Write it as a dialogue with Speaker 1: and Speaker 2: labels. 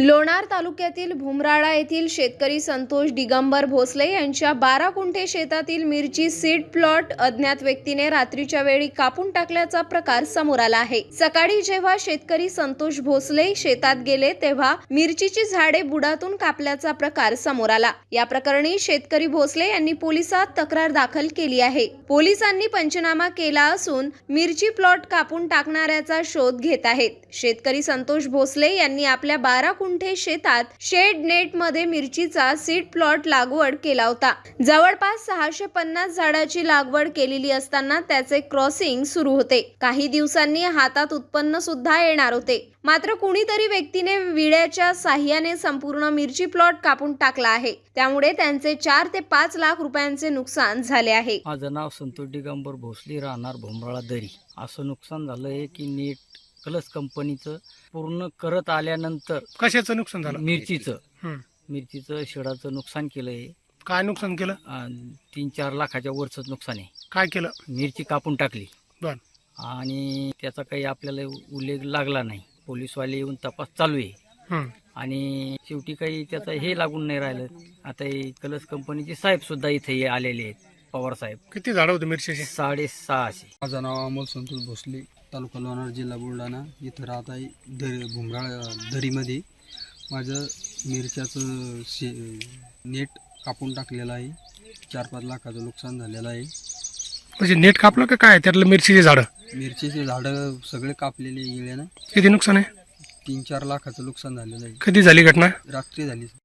Speaker 1: लोणार तालुक्यातील भुमराळा येथील शेतकरी संतोष दिगंबर भोसले यांच्या 12 गुंठे शेतातील मिरची सीड प्लॉट अज्ञात व्यक्तीने रात्रीच्या वेळी कापून टाकल्याचा प्रकार समोर आला आहे। सकाळी जेव्हा शेतकरी संतोष भोसले शेतात गेले तेव्हा मिरचीची झाडे बुडातून कापल्याचा प्रकार समोर आला। या प्रकरणी शेतकरी भोसले यांनी पोलिसात तक्रार दाखल केली आहे। पोलिसांनी पंचनामा केला असून मिरची प्लॉट कापून टाकणाऱ्याचा शोध घेत आहेत। शेतकरी संतोष भोसले यांनी आपल्या 12 गुंठे शेतात शेड नेट मध्ये मिरचीचा सीड प्लॉट लागवड केला होता। जवळपास 650 झाडाची लागवड केलेली असताना त्याचे क्रॉसिंग सुरू होते। काही दिवसांनी हातात उत्पन्न सुद्धा येणार होते, मात्र कुणीतरी व्यक्तीने विड्याच्या साह्याने संपूर्ण मिरची प्लॉट कापून टाकला आहे। त्यामुळे त्यांचे 4 ते 5 लाख रुपयांचे नुकसान झाले आहे।
Speaker 2: माझं नाव संतोष दिगंबर भोसले, राहणार भुमराळा दरी। असं नुकसान झालंय की नेट कलस कंपनीचं पूर्ण करत आल्यानंतर
Speaker 3: कशाचं नुकसान झालं?
Speaker 2: मिरचीचं शेडाचं नुकसान केलंय।
Speaker 3: काय नुकसान केलं?
Speaker 2: 3-4 लाखाच्या वरचं नुकसान आहे।
Speaker 3: काय केलं?
Speaker 2: मिरची कापून टाकली
Speaker 3: बर
Speaker 2: आणि त्याचा काही आपल्याला उल्लेख लागला नाही। पोलीसवाले येऊन तपास चालू आहे आणि शेवटी काही त्याचं हे लागून नाही राहिलं। आता हे कलस कंपनीचे साहेब सुद्धा इथे आलेले आहेत, पवार साहेब।
Speaker 3: किती झाडं होते मिरचीचे?
Speaker 2: 650।
Speaker 4: माझं नाव अमोल संतोष भोसले, तालुका लोणार, जिल्हा बुलढाणा। इथं राहत आहे भुमराळा दरीमध्ये। माझं मिरच्याचं नेट कापून टाकलेलं आहे। 4-5 लाखाचं नुकसान झालेलं आहे।
Speaker 3: म्हणजे नेट कापलं का काय? त्यातलं मिरचीचे झाडं?
Speaker 4: मिरचीचे झाडं सगळे कापलेले गेले ना।
Speaker 3: किती नुकसान आहे?
Speaker 4: 3-4 लाखाचं नुकसान झालेलं आहे।
Speaker 3: कधी झाली घटना?
Speaker 4: रात्री झाली।